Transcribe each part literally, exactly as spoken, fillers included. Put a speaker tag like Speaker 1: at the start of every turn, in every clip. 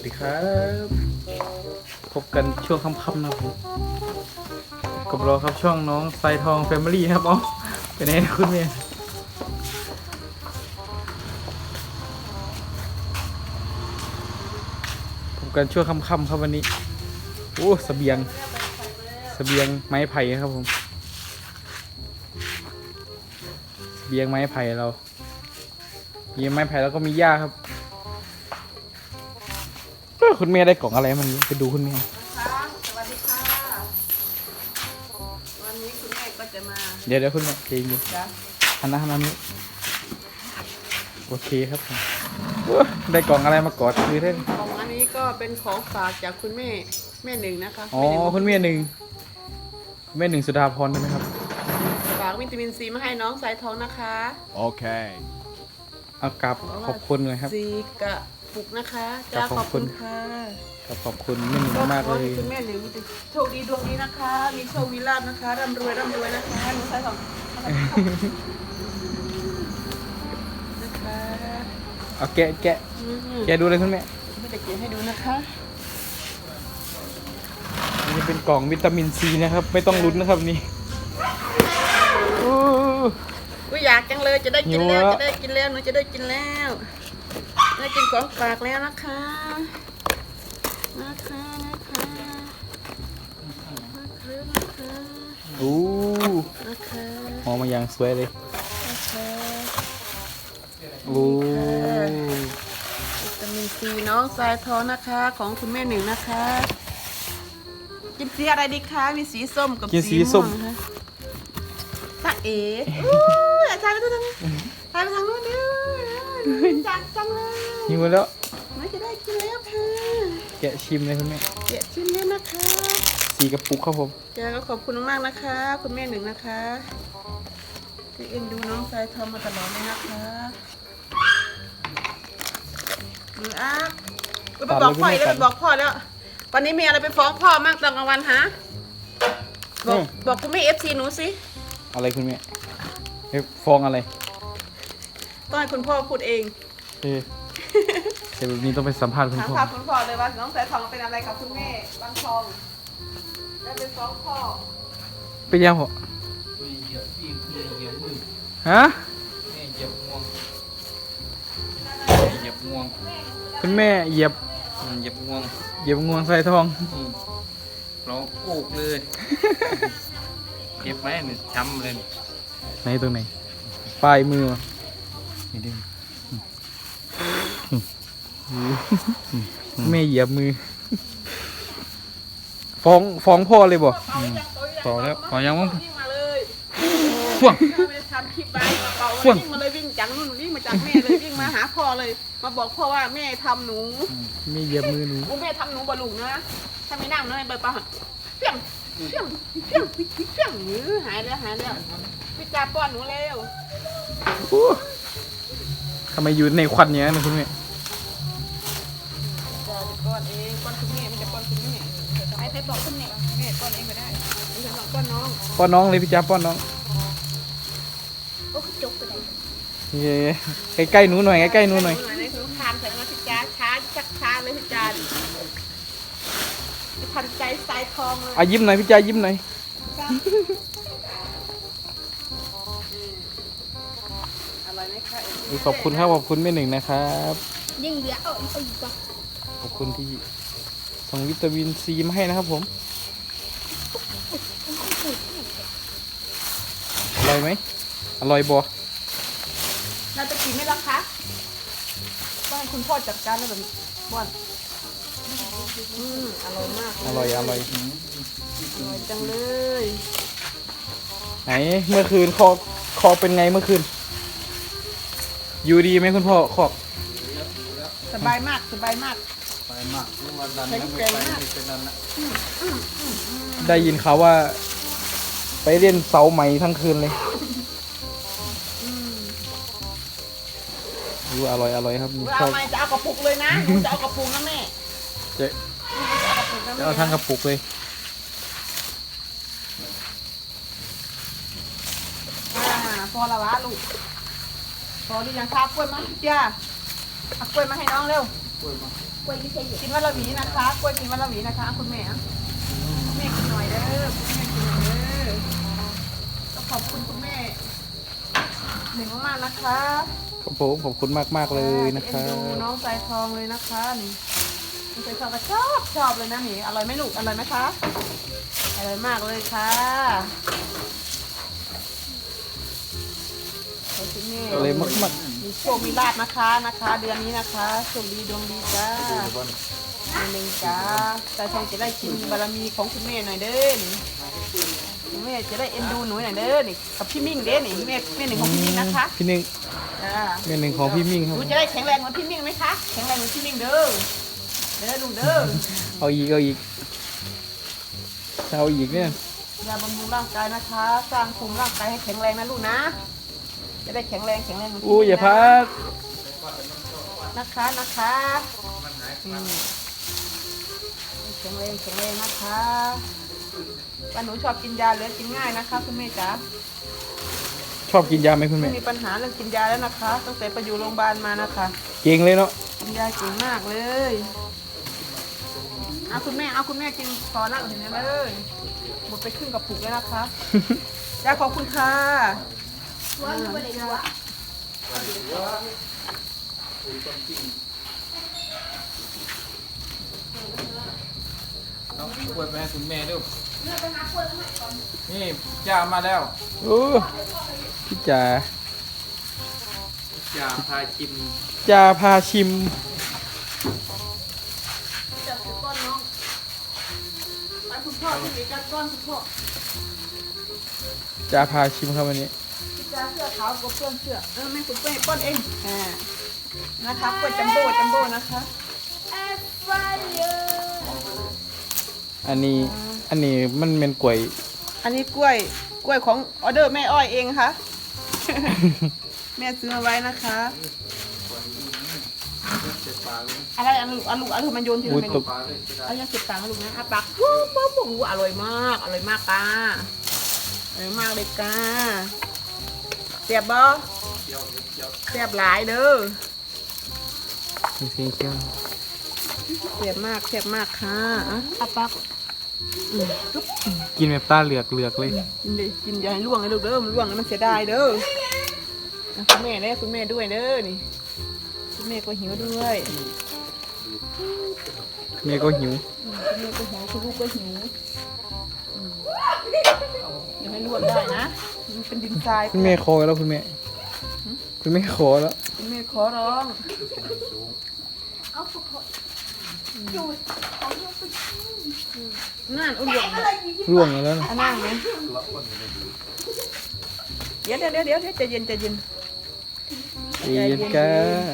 Speaker 1: ดีครับพบกันช่วงค่ำๆนะครับผมกับเราครับช่องน้องไซทองแฟมิลี่ครับอ๋อเป็นไงนะคุณเมียพบกันช่วงค่ำๆครับวันนี้โอ้เสบียงเสบียงไม้ไผ่ครับผมเสบียงไม้ไผ่เราเสบียงไม้ไผ่แล้วก็มีหญ้าครับคุณเมียได้กล่องอะไรมันไปดูคุณเมีย
Speaker 2: ค่ะสวัสดีค่ะวันนี้คุณแม่ก็จะมา
Speaker 1: เดี๋ยวเดี๋ยวคุณแม่เพลงอยู่
Speaker 2: จ้ะ
Speaker 1: หันหน้าหันหน้านี้โอเคครับผมได้กล่องอะไรมากอดคือได้
Speaker 2: ของอันนี้ก็เป็นของฝากจากคุณแม่แม่หนึ่งนะคะ
Speaker 1: อ๋อคุณเมียหนึ่งคุณแม่หนึ่งสุดาพรใช่ไหมครับ
Speaker 2: ฝากวิตามินซีมาให้น้องสายทองนะคะ
Speaker 3: Okay.
Speaker 1: เอากลับขอบคุณเลยครับ
Speaker 2: ซีกระปุกนะคะจ้า
Speaker 1: ข
Speaker 2: ข
Speaker 1: อ
Speaker 2: อ
Speaker 1: บบ คุ
Speaker 2: คุณ ณค่ะ
Speaker 1: ขอบขอบคุณแม่หนึ่งมาก
Speaker 2: ขอ
Speaker 1: เล
Speaker 2: ให้
Speaker 1: ย
Speaker 2: คุณแม่หนึ่งมีแต่โชคดีดวงดีนะคะ มีโชคมีลาภนะคะร่ำรวยร่ำรวยนะคะน้องสายทองนะคะ
Speaker 1: เอาแกะแกะ
Speaker 2: อืม
Speaker 1: แกะดูเลยคุณแม่
Speaker 2: ไม่ได้เขียนให้ดูนะคะ
Speaker 1: นี่จะเป็นกล่องวิตามินซีนะครับไม่ต้องลุ้นนะครับนี่อู้
Speaker 2: กูอยากจังเลยจะได้กินแล้ว
Speaker 1: หิวแล้ว
Speaker 2: จะได้กินแล้วหนูจะได้กินแล้วได้กินของฝากแล้วนะคะนะคะนะคะนะคะนะคะ
Speaker 1: อู้
Speaker 2: นะคะ
Speaker 1: หอมมาอย่างสวยเลย
Speaker 2: นะคะ
Speaker 1: อู้
Speaker 2: วิตามินซีน้องสายทองนะคะของคุณแม่หนึ่งนะคะกินสีอะไรดีคะมีสีส้มกับ
Speaker 1: กินสี
Speaker 2: สี
Speaker 1: ส้
Speaker 2: ม่ว
Speaker 1: ม
Speaker 2: งนะคะตาเอ๋อู้ยถ่ายไปทางถ่ายไปทางนู้นเด้อจักจังเลย
Speaker 1: หิวแล้ว
Speaker 2: ไม่จะได้กินแล้วค่ะ
Speaker 1: แกะชิมเลยคุณแม่
Speaker 2: เดี๋ยวชิมแล้วนะคะ
Speaker 1: สีกระปุกครับผม
Speaker 2: แกก็ขอบคุณมากๆนะคะ คุณแม่หนึ่งนะคะที่เอ็นดูน้องสายทองมาตลอดเลยนะคะหนูอ่ะไปบอกพ่ออีกแล้วไปบอกพ่อแล้ว วันนี้มีอะไรไปฟ้องพ่อมั่งตอนกลางวันฮะบอกบอกคุณแม่เอฟซีหนูสิ
Speaker 1: อะไรคุณแม่เอ๊ะฟองอะไร
Speaker 2: ต้องให้คุณพ่อพูดเอง
Speaker 1: เอ๊ะเดี๋ยวแบบนี้ต้องไปสัมภาษณ์คุณ
Speaker 2: ถาม
Speaker 1: พ่อ
Speaker 2: ถามคุณพ่อเลยว่าน้องสายทองเป็นอะไรกับคุณแม่บางทองได้ไปฟ้องพ่อ
Speaker 1: ไปยังหัวฮะ
Speaker 3: เหยียบงวงเหยียบงวง
Speaker 1: คุณแม่เหยียบ
Speaker 3: เหยียบงวง
Speaker 1: เหยียบงวงใส่ทอง
Speaker 3: ร้องโอกเลยเจ็บไหมเนี่ยช้ำเลย
Speaker 1: ไหนตรงไหนปลายมือนี่ดิแม่เหยียบมือ ฟ้องฟ้องพ่อเลยบ่
Speaker 3: พอแล้วพอยังมั้ง
Speaker 2: วิ่งมาเลย
Speaker 1: ฟ้อง
Speaker 2: ไม่ได้ทำคลิปไว้กระเป๋า
Speaker 1: ฟ่วง
Speaker 2: วิ่งมาเลยวิ่งจากนู่นวิ่งมาจากแม่เลยวิ่งมาหาพ่อเลย มาบอกพ่อว่าแม่ทำหนู
Speaker 1: แม่เหยียบมือหนู
Speaker 2: กูแม่ทำหนูบอลุงนะถ้าไม่นั่งเลยเบิร์ปะเพี้ยงเพี้ยงเพี้ยงเพี้ยงหรือหายแล้วหายแล้วพี่จ่าป้อนหนูเร็ว
Speaker 1: โอ้ทำไมอยู่ในควันอย่างนั้นนะคุณแม่
Speaker 2: จ่าจะป้อนเองป้อนคุณแม่มันจะป้อนคุณแม่ไอ้ใครป้อนคุณแม่แม่ป้อนเองก็ได้ไม่ใช่ป้อนน้อง
Speaker 1: ป้อนน้องเลยพี่จ้าป้อนน้อง
Speaker 2: โอ้จกไปไหน
Speaker 1: เย้ใกล้ๆหนูหน่อยใกล้ๆหนูหน่อย
Speaker 2: ในสงครามใส่มาพี่จ่าช้าชักช้าเลยพี่จ่าทันใจสายทองเลย
Speaker 1: อ่ะยิ้มหน่อยพี่จ้ายิ้มหน่อย
Speaker 2: อร่อยไหมคะ
Speaker 1: ขอบคุณครับขอบคุณแม่หนึ่งนะครับ
Speaker 2: ยิ่งเหลือเอาอีกเอาอีกก่อน
Speaker 1: ขอบคุณที่ส่งวิตามินซีมาให้นะครับผมอร่อยไหมอร่อยบ่
Speaker 2: เราจะกินไหมล่ะคะต้องให้คุณพ่อจัดการแล้วแบบนี้บ้อนอืมอร่อยมาก
Speaker 1: อร่อยอร่อย
Speaker 2: อร่อยจังเลย
Speaker 1: ไหนเมื่อคืนคอคอเป็นไงเมื่อคืนอยู่ดีไหมคุณพ่อคอก
Speaker 2: สบายมากสบายมาก
Speaker 3: ไปมากนี่ว่าดันแล้วไม่ไปไม่เป็นดันละ
Speaker 1: ได้ยินเขาวว่า ไปเล่นเสาไหมทั้งคืนเลยดูอร่อยอร่อยครับ
Speaker 2: เว
Speaker 1: ช
Speaker 2: ลา
Speaker 1: อบ
Speaker 2: ไม่จะเอากระปุกเลยนะหนูจะเอากระปุกนะแม่
Speaker 1: จะ
Speaker 2: จะเอากระปุกนะ
Speaker 1: จะ
Speaker 2: แม่
Speaker 1: เอาทั้งกระปุกเลย
Speaker 2: อ่าพอละวะลูกพอหรือยังครับกล้วยมาจ้าเอากล้วยมาให้น้องเร็ว
Speaker 1: โ
Speaker 4: ล้วยไม่ใช่เหรอ
Speaker 2: กินวันละหวีนะคะกล้วยกินวันละหวีนะคะคุณแม่คุณแม่กินหน่อยเด้อคุณแม่กินหน่อยเด้อก็ขอบคุณคุณแม่หนึ่งมากๆนะคะ
Speaker 1: ครับผมขอบคุณมากมากๆเลยนะครั
Speaker 2: เอ็นดู
Speaker 1: บ
Speaker 2: น้องสายทองเลยนะคะนี่น้องสายทองก็ชอบชอบเลยนะนี่อร่อยไหมลูกอร่อยไหมคะอร่อยมากเลยค่ะขอบคุณแม่
Speaker 1: อะไรมากมาก
Speaker 2: มีโชคมีลาภนะคะนะคะ เดือนนี้นะคะโชคดีดวงดีจ้าหนึ่งจ้าสายทองจะได้กินบารมีของคุณแม่หน่อยเด้อนี่คุณแม่จะได้เอ็นดูหนูหน่อยเด้อนี่กับพี่มิ่งเด้อนี่แม่แม่หนึ่งของพี่มิ่งนะคะ
Speaker 1: พี่หนึ่ง
Speaker 2: จ้า
Speaker 1: เมนหนึ่งของพี่มิ่งครับ
Speaker 2: หนูจะได้แข็งแรงเหมือนพี่มิ่งไหมคะแข็งแรงเหมือนพี่มิ่งเด้อเด้อลูกเด้อ
Speaker 1: เอาอีกเอาอีกเอาอีกเนี่ย
Speaker 2: ยาบำรุงร่างกายนะคะ สร้างภูมิร่างกายให้แข็งแรงนะลูกนะ จะได้แข็งแรงแข็งแรงเหมือนพี่
Speaker 1: อู้
Speaker 2: มิ่ง
Speaker 1: อย่า
Speaker 2: นะ
Speaker 1: พัด
Speaker 2: นะคะนะคะอืมแข็งแรงแข็งแรงนะคะวันหนูชอบกินยาเหลือกินง่ายนะคะคุณแม่จ๋า
Speaker 1: ชอบกินยาไหมคุณ
Speaker 2: ไม่
Speaker 1: แม่
Speaker 2: มีปัญหาเรื่องกินยาแล้วนะคะตั้งแต่ไปอยู่โรงพยาบาลมานะคะ
Speaker 1: เก่งเลยเนาะ
Speaker 2: กินยาเก่งมากเลยเอาคุณแม่เอาคุณแม่กินพอแล้วเห็นไหมเลยหมดไปครึ่งกระปุกแล้วนะคะยาขอบคุณค่ะ
Speaker 4: ว่าไม่ได้ดูอ่ะ
Speaker 3: เอากล้วยไปให้คุณแม่ดูนี่จ่ามาแล้ว
Speaker 1: โอ้พี่จ๋า
Speaker 3: จ่าพากิน
Speaker 1: จ่าพาชิม
Speaker 2: จับถือก้อนน้องไปคุณพ่อที่มีการก้อนคุณพ่อ
Speaker 1: จ่าพาชิมครับวันนี้
Speaker 2: พี่จ้าเสื้อขาวกับเพื่อนเสื้อเออไม่คุณเป้ป้อนเองอ่านะคะกล้วยจัมโบ้จัมโบ้นะคะ
Speaker 4: แอปเปิ้ลเยอะ
Speaker 1: อันนี้อันนี้มันเป็นกล้วย
Speaker 2: อันนี้กล้วยกล้วยของออเดอร์แม่อ้อยเองค่ะ แม่ซื้อมาไว้นะคะ
Speaker 3: เจ็บปากเลย
Speaker 2: อะไรอันลูกอันลูกอันลูกมันโยนที
Speaker 1: อุ้
Speaker 2: ละ
Speaker 1: ย
Speaker 2: เม
Speaker 1: ต
Speaker 2: นู
Speaker 1: ก
Speaker 3: ปากเลยจะได้
Speaker 2: เอายังเก็บตังค์นะลูกนะอาปากปุ๊บปุ๊บปุ๊บอู้อร่อยมากอร่อยมากก้าอร่อยมากเลยก้าเสียบบ่
Speaker 3: เคี้ยวเคี้ยว
Speaker 2: เสียบหลายเด้อ
Speaker 1: มีสีเขียว
Speaker 2: เสียบมากเสียบมากค่ะอ่ะอาปากอืมจุ๊บ
Speaker 1: กินแบบตาเหลือกเหลือกเลย
Speaker 2: กินดิกินอย่าให้ล่วงเลยลูกเด้อมันล่วงแล้วมันเสียดายเด้ออ่ะคุณแม่เด้อคุณแม่ด้วยเด้อนี่คุณแม่ก็หิวด้วย
Speaker 1: แม่ก็หิว
Speaker 2: อืมคุณแม่ก็หิวคุณลูกก็หิวอืมอย่าให้ล่วงได้นะมันเป็นดินทราย
Speaker 1: คุณแม่ขอแล้วคุณแม่คุณแม่ขอแล้ว
Speaker 2: คุณแม่ขอร้อง
Speaker 4: เอาสุกดูดของเราไป
Speaker 2: นั่นอุ่นหลง
Speaker 4: อะไรอยู่ที่
Speaker 1: ร่วงแล้วนะ
Speaker 2: อันนั่งไหมเดี๋ยวเดี๋ยวเดี๋ยวเดี๋ยวใจเย็นใจเย็น
Speaker 1: ใจเย็นก้า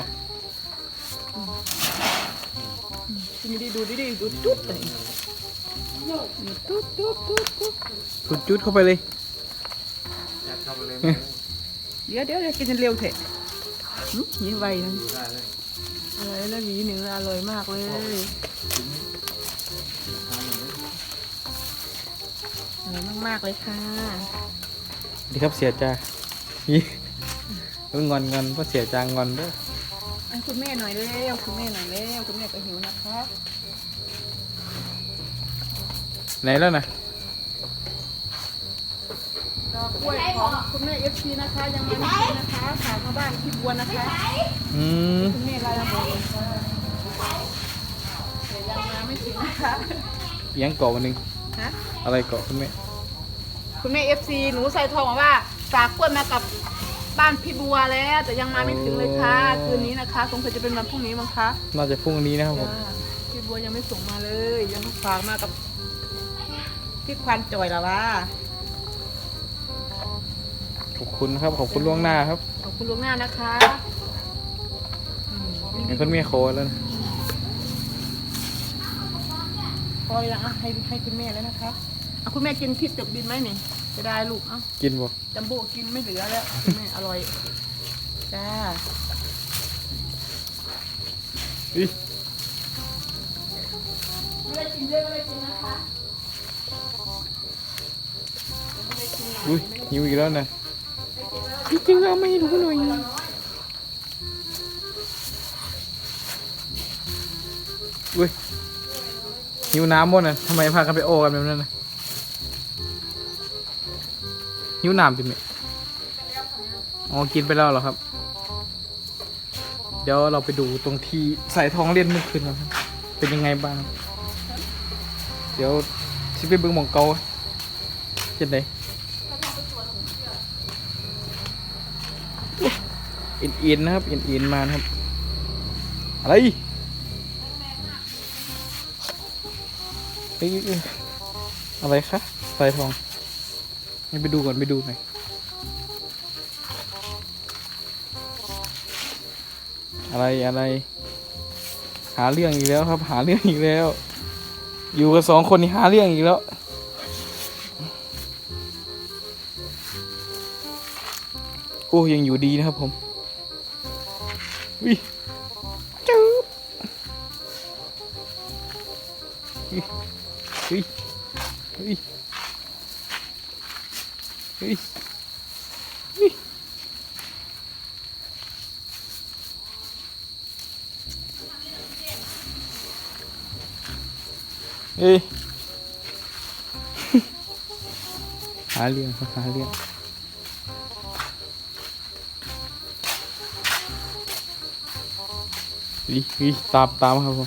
Speaker 2: กินดีๆดูดีๆดูจุดเลยจุดจุดจุดจุด
Speaker 1: สุดจุดเข้าไปเลย
Speaker 3: อยากทำอะไร
Speaker 2: เดี๋ยวเดี๋ยวเดี๋ยวกินเร็วเถอะหึหิวไวนะ
Speaker 3: ได้เลย
Speaker 2: อร่อยแล้วหวีหนึ่งอร่อยมากเลยอร่อยมากๆเลยค่ะ
Speaker 1: ดีครับเสียจ้านี่มันงอนงอนเพราะเสียจางงอนเด้วย
Speaker 2: ให้คุณแม่หน่อยเร็วคุณแม่หน่อยเร็วคุณแม่ก็หิวนะคะ
Speaker 1: ไหนแล้วนะ
Speaker 2: ดอกกล้วยของคุณแม่เอฟซีนะคะยังไม่ได้กินนะคะฝากมาบ้านพี่บัวนะคะ
Speaker 1: อืม
Speaker 2: คุณแม่ลายละมุนค่ะแต่ยังมาไม่ถึงนะคะ
Speaker 1: เอียังเกาะวันหนึง
Speaker 2: ฮะ
Speaker 1: อะไรเกาะคุณแม่
Speaker 2: คุณแม่เอฟซีหนูใส่ทองมาว่าฝากกล้วยมากับบ้านพี่บัวแล้ว แต่ยังมาไม่ถึงเลยค่ะคืนนี้นะคะสงสัยจะเป็นวันพรุ่งนี้มั้งคะ
Speaker 1: น่าจะพรุ่งนี้นะครับผม
Speaker 2: จ้าพี่บัวยังไม่ส่งมาเลย ยังฝากมากับพี่ควันจอยละวะ
Speaker 1: ขอบคุณครับขอบคุณล่วงหน้าครับ
Speaker 2: ขอบคุณล่วงหน้านะคะอืม
Speaker 1: เห็นคุณแม่ขอแล้วนะ
Speaker 2: พอแล้วอ่ะให้ให้คุณแม่แล้วนะคะอ่ะคุณแม่กินพริกเติบดินไหมนี่จะได้ลูกเอ้า
Speaker 1: กินบ่
Speaker 2: จัมโบ้กินไม่เหลือแล้วคุณแม่อร่อยจ้า
Speaker 1: อิ
Speaker 2: ไม่ได้กินเยอะไม่ได้กินนะคะ
Speaker 1: อุ้ยหิวอีกแล้วนะจริงๆเราไม่รู้หน่อยอุ้ยหิวน้ำหมดน่ะทำไมพากันไปโอกันแบบนั้นน่ะหิวน้ำจิ๋มเนี่ยอ๋อกินไปแล้วเหรอครับ เดี๋ยวเราไปดูตรงที่ใส่ทองเล่นเมื่อคืนนะครับเป็นยังไงบ้าง เดี๋ยวชิไปเบิ้งหมองเกาเจ็ดไหนเอ็นเอ็นนะครับเอ็นเอ็นมานะครับอะไรเอ้ยอะไรคะใส่ทองให้ไปดูก่อนไปดูหน่อยอะไรอะไรหาเรื่องอีกแล้วครับหาเรื่องอีกแล้ว อยู่กับสองคนนี่หาเรื่องอีกแล้วโอ้ยังอยู่ดีนะครับผมวิจู๊บวิวิวิวิวิเอ้ย หาเรื่องครับหาเรื่องวิวิตามตามครับผม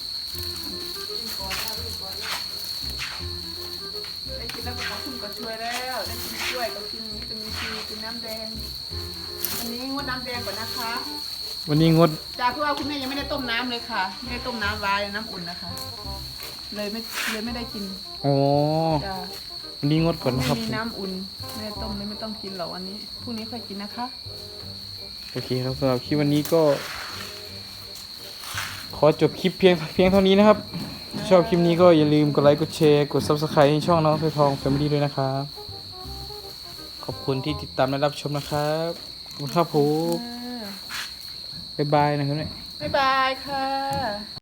Speaker 2: ได้กินแล้วก็ขอบคุณก็ช่วยแล้วได้กินช่วยก็กินวิตามินซีกินน้ำแดงอันนี้งดน้ำแดงก่อนนะคะ
Speaker 1: วันนี้งด
Speaker 2: จ้าเพราะว่าคุณแม่ยังไม่ได้ต้มน้ำเลยค่ะไม่ได้ต้มน้ำไว้น้ำอุ่นนะคะ เลยไม่เลยไม่ได้กิน
Speaker 1: อ๋อ
Speaker 2: จ้า
Speaker 1: วันนี้งดก่อนนะครับ
Speaker 2: ไม่มีน้ำอุ่นไม่ได้ต้มเลยไม่ต้องกินหรอกวันนี้พรุ่งนี้ค่อยกินนะคะ
Speaker 1: โอเคครับสำหรับคลิปวันนี้ก็ ขอจบคลิปเพียงเพียงเท่านี้นะครับถ้าชอบคลิปนี้ก็อย่าลืมกดไลค์กดแชร์กด ซับสไครบ์ ให้ช่องน้องสายทอง Family ด้วยนะครับ ขอบคุณที่ติดตามและรับชมนะครับขอบคุณครับผมบ๊ายบายนะครับเนี่ย
Speaker 2: บ๊ายบายค่ะ